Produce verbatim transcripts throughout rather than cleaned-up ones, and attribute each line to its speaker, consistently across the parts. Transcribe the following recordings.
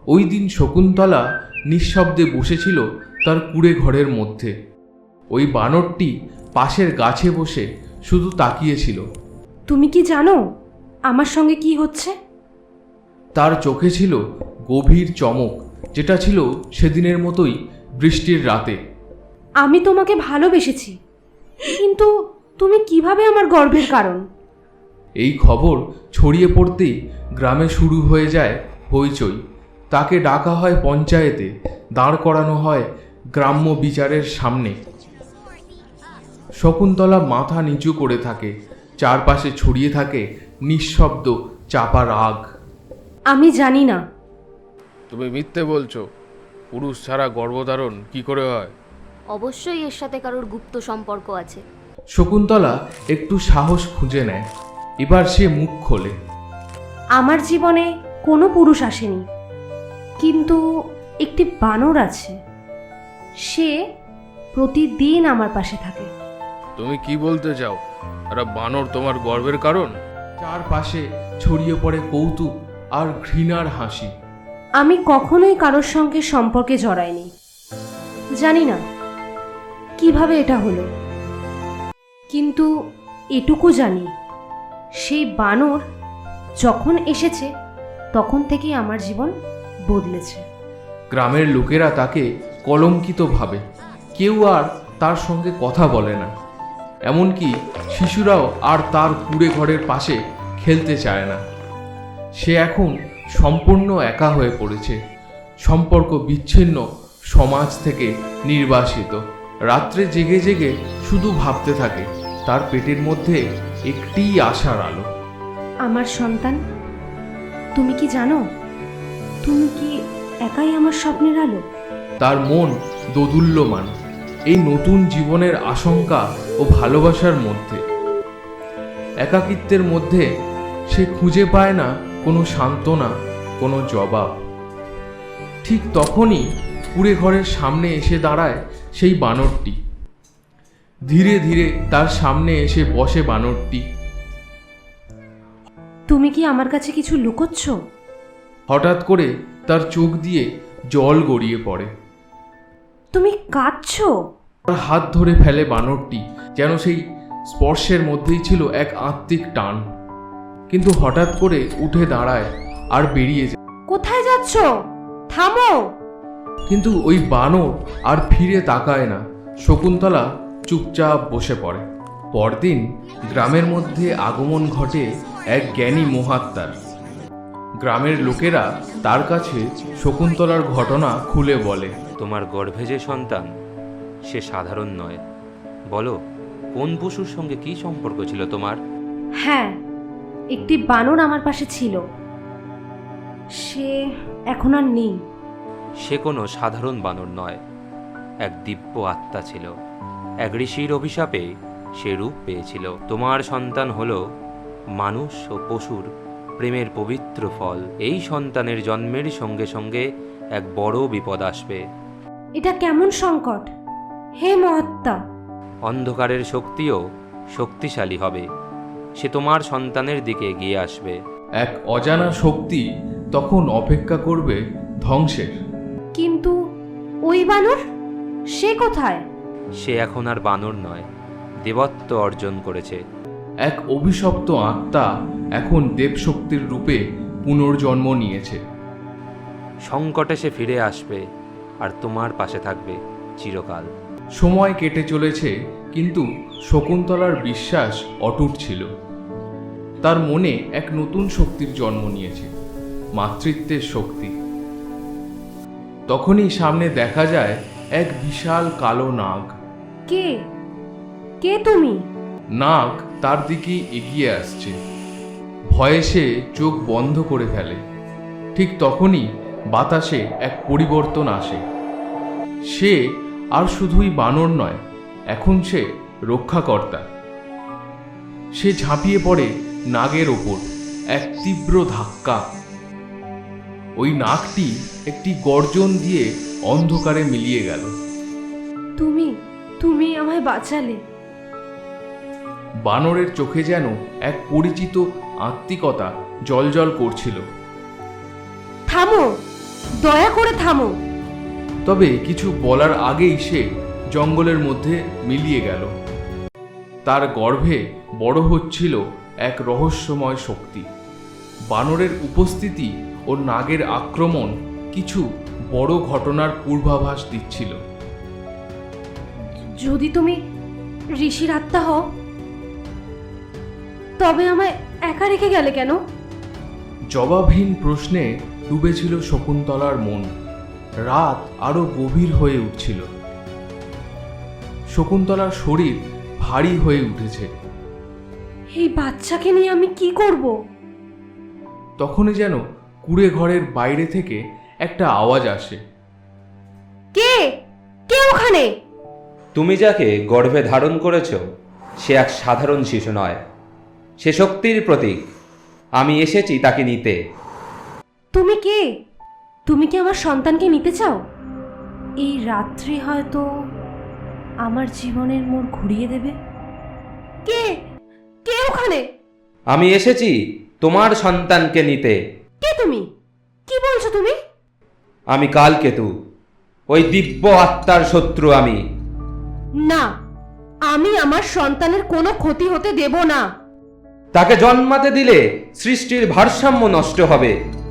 Speaker 1: ওই দিন শকুন্তলা নিঃশব্দে বসেছিল তার কুঁড়ে ঘরের মধ্যে। ওই বানরটি পাশের গাছে বসে শুধু তাকিয়েছিল।
Speaker 2: তুমি কি জানো আমার সঙ্গে কি হচ্ছে?
Speaker 1: তার চোখে ছিল গভীর চমক, যেটা ছিল সেদিনের মতোই বৃষ্টির রাতে।
Speaker 2: আমি তোমাকে ভালোবেসেছি, কিন্তু তুমি কিভাবে আমার গর্বের কারণ?
Speaker 1: এই খবর ছড়িয়ে পড়তেই গ্রামে শুরু হয়ে যায় হইচই। তাকে ডাকা হয় পঞ্চায়েতে, দাঁড় করানো হয় গ্রাম্য বিচারের সামনে। শকুন্তলা মাথা নিচু করে থাকে, চারপাশে ছড়িয়ে থাকে নিঃশব্দ চাপা রাগ।
Speaker 2: আমি জানি না।
Speaker 1: তুমি মিথ্যে বলছো। পুরুষ ছাড়া গর্ভধারণ কি করে হয়?
Speaker 3: অবশ্যই এর সাথে কারোর গুপ্ত সম্পর্ক আছে।
Speaker 1: শকুন্তলা একটু সাহস খুঁজে নেয়। এবার সে মুখ খোলে।
Speaker 2: আমার জীবনে কোনো পুরুষ আসেনি, কিন্তু একটি বানর আছে। সে প্রতিদিন আমার পাশে থাকে।
Speaker 1: তুমি কি বলতে চাও? আর বানর তোমার গর্বের কারণ? চারপাশে ছড়িয়ে পড়ে কৌতুক আর ঘৃণার হাসি।
Speaker 2: আমি কখনোই কারোর সঙ্গে সম্পর্কে জড়াইনি। জানি না কিভাবে এটা হলো, কিন্তু এটুকু জানি, সেই বানর যখন এসেছে তখন থেকেই আমার জীবন বদলেছে।
Speaker 1: গ্রামের লোকেরা তাকে কলঙ্কিত ভাবে। কেউ আর তার সঙ্গে কথা বলে না। এমনকি শিশুরাও আর তার কুঁড়ে ঘরের পাশে খেলতে চায় না। সে এখন সম্পূর্ণ একা হয়ে পড়েছে, সম্পর্ক বিচ্ছিন্ন, সমাজ থেকে নির্বাসিত। রাত্রে জেগে জেগে শুধু ভাবতে থাকে তার পেটের মধ্যে একটিই আশার আলো।
Speaker 2: আমার সন্তান, তুমি কি জানো, তুমি কি একাই আমার স্বপ্নের আলো?
Speaker 1: তার মন দোদুল্যমান এই নতুন জীবনের আশঙ্কা ও ভালোবাসার মধ্যে। একাকিত্বের মধ্যে সে খুঁজে পায় না কোনো সান্ত্বনা, কোনো জবাব। ঠিক তখনই কুঁড়ে ঘরের সামনে এসে দাঁড়ায় সেই বানরটি। ধীরে ধীরে তার সামনে এসে বসে বানরটি।
Speaker 2: তুমি কি আমার কাছে কিছু লুকোচ্ছ?
Speaker 1: হঠাৎ করে তার চোখ দিয়ে জল গড়িয়ে পড়ে।
Speaker 2: তুমি কাঁদছো?
Speaker 1: তার হাত ধরে ফেলে বানরটি, যেন সেই স্পর্শের মধ্যেই ছিল এক আত্মিক টান। কিন্তু হঠাৎ করে উঠে দাঁড়ায় আর বেরিয়ে যায়।
Speaker 2: কোথায় যাচ্ছ? থামো!
Speaker 1: কিন্তু ওই বানর আর ফিরে তাকায় না। শকুন্তলা চুপচাপ বসে পড়ে। পরদিন গ্রামের মধ্যে আগমন ঘটে এক জ্ঞানী মহাত্মার। গ্রামের লোকেরা তার কাছে শকুন্তলার ঘটনা খুলে বলে।
Speaker 4: তোমার গর্ভে যে সন্তান, সে সাধারণ নয়। বলো, কোন পশুর সঙ্গে কি সম্পর্ক ছিল তোমার?
Speaker 2: হ্যাঁ, একটি বানর আমার পাশে ছিল। সে এখন আর নেই।
Speaker 4: সে কোনো সাধারণ বানর নয়, এক দিব্য আত্মা ছিল। এক ঋষির অভিশাপে সে রূপ পেয়েছিল। তোমার সন্তান হলো মানুষ ও পশুর প্রেমের পবিত্র ফল। এই সন্তানের জন্মের সঙ্গে সঙ্গে এক বড় বিপদ আসবে।
Speaker 2: এটা কেমন সংকট হে মহাত্মা!
Speaker 4: অন্ধকারের শক্তিও শক্তিশালী হবে। সে তোমার সন্তানের দিকে এগিয়ে আসবে।
Speaker 1: এক অজানা শক্তি তখন অপেক্ষা করবে ধ্বংসের।
Speaker 2: কিন্তু ওই বানর, সে কোথায়?
Speaker 4: সে এখন আর বানর নয়, দেবত্ব অর্জন করেছে।
Speaker 1: এক অভিশপ্ত আত্মা এখন দেবশক্তির রূপে পুনর্জন্ম নিয়েছে।
Speaker 4: সংকটে সে ফিরে আসবে আর তোমার পাশে থাকবে চিরকাল।
Speaker 1: সময় কেটে চলেছে, কিন্তু শকুন্তলার বিশ্বাস অটুট ছিল। তার মনে এক নতুন শক্তির জন্ম নিয়েছে, মাতৃত্বের শক্তি। তখনই সামনে দেখা যায় এক বিশাল কালো নাগ।
Speaker 2: কে কে তুমি?
Speaker 1: নাগ তার দিকে এগিয়ে আসছে। ভয়ে সে চোখ বন্ধ করে ফেলে। ঠিক তখনই বাতাসে এক পরিবর্তন আসে। সে আর শুধুই বানর নয়, এখন সে রক্ষাকর্তা। সে ঝাঁপিয়ে পড়ে নাগের ওপর। এক তীব্র ধাক্কা। ওই নাগটি একটি গর্জন দিয়ে অন্ধকারে মিলিয়ে গেল।
Speaker 2: তুমি তুমি আমায় বাঁচালে।
Speaker 1: বানরের চোখে যেন এক পরিচিত আত্মিকতা জলজল করছিল।
Speaker 2: থামো! দয়া করে থামো।
Speaker 1: তবে কিছু বলার আগেই সে জঙ্গলের মধ্যে মিলিয়ে গেল। তার গর্ভে বড় হচ্ছিল এক রহস্যময় শক্তি। বানরের উপস্থিতি ও নাগের আক্রমণ কিছু বড় ঘটনার পূর্বাভাস দিচ্ছিল।
Speaker 2: যদি তুমি ঋষির আত্মা হও, তবে আমায় একা রেখে গেলে কেন?
Speaker 1: জবাবহীন প্রশ্নে ডুবেছিল শকুন্তলার মন। রাত আরো গভীর হয়ে উঠছিল। শকুন্তলার শরীর ভারী হয়ে উঠেছে।
Speaker 2: এই বাচ্চাকে নিয়ে আমি কি করব?
Speaker 1: তখনই যেন কুঁড়ে ঘরের বাইরে থেকে একটা আওয়াজ আসে।
Speaker 2: কে কে ওখানে?
Speaker 4: তুমি যাকে গর্ভে ধারণ করেছ সে এক সাধারণ শিশু নয়, সে শক্তির প্রতীক। আমি এসেছি তাকে নিতে।
Speaker 2: তুমি কে? তুমি কি আমার সন্তানকে নিতে চাও? এই রাত্রি হয়তো আমার জীবনের মোড় ঘুরিয়ে দেবে। কে কে ওখানে?
Speaker 4: আমি এসেছি তোমার সন্তানকে নিতে।
Speaker 2: কে তুমি? কি বলছো তুমি?
Speaker 4: আমি কালকেতু, ওই দিব্য আত্মার শত্রু আমি।
Speaker 2: না, আমি আমার সন্তানের কোনো ক্ষতি হতে দেব না।
Speaker 4: তাকে জন্মাতে দিলে সৃষ্টির ভারসাম্য নষ্ট হবে।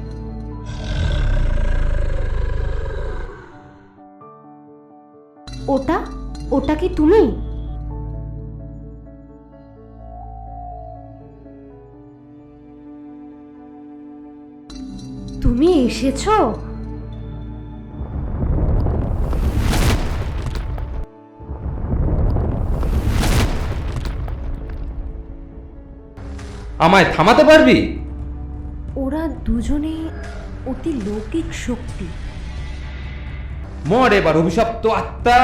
Speaker 2: ওটা ওটা কি তুমি? তুমি এসেছো?
Speaker 4: আমায় থামাতে পারবি?
Speaker 2: ওরা দুজনে অতি লৌকিক শক্তি।
Speaker 4: মর এবার অভিশপ্ত আত্মা।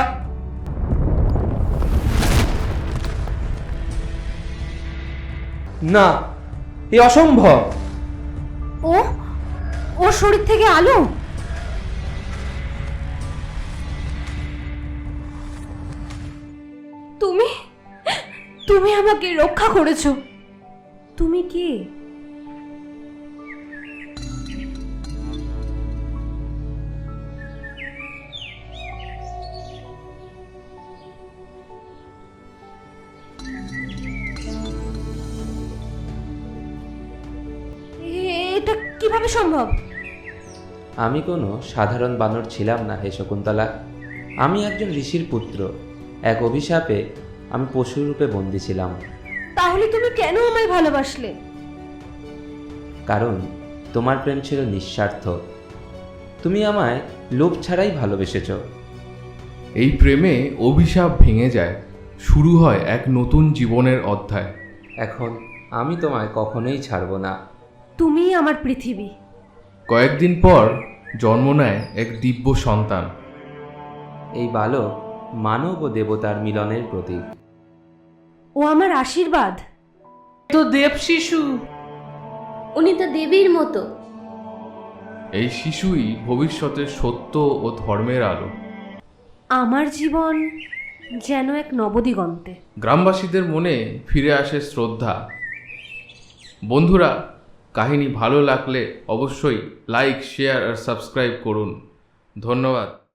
Speaker 4: না, এ অসম্ভব।
Speaker 2: ও ও শরীর থেকে আলো। তুমি তুমি আমাকে রক্ষা করেছো। তুমি কে? এটা কিভাবে সম্ভব?
Speaker 4: আমি কোনো সাধারণ বানর ছিলাম না হে শকুন্তলা। আমি একজন ঋষির পুত্র। এক অভিশাপে আমি পশুরূপে বন্দী ছিলাম।
Speaker 2: তাহলে তুমি কেন আমায় ভালোবাসলে?
Speaker 4: কারণ তোমার প্রেম ছিল নিঃস্বার্থ। তুমি আমায় লোভ ছাড়াই ভালোবেসেছ।
Speaker 1: এই প্রেমে অভিশাপ ভেঙে যায়, শুরু হয় এক নতুন জীবনের অধ্যায়।
Speaker 4: এখন আমি তোমায় কখনোই ছাড়ব না।
Speaker 2: তুমি আমার পৃথিবী।
Speaker 1: কয়েকদিন পর জন্ম নেয় এক দিব্য সন্তান।
Speaker 4: এই বালক মানব ও দেবতার মিলনের প্রতীক।
Speaker 2: ও আমার আশীর্বাদ।
Speaker 5: তো দেব শিশু।
Speaker 3: উনি তো দেবীর মতো।
Speaker 1: এই শিশুই ভবিষ্যতের সত্য ও ধর্মের আলো।
Speaker 2: আমার জীবন যেন এক নবদিগন্তে।
Speaker 1: গ্রামবাসীদের মনে ফিরে আসে শ্রদ্ধা। বন্ধুরা, কাহিনী ভালো লাগলে অবশ্যই লাইক, শেয়ার আর সাবস্ক্রাইব করুন। ধন্যবাদ।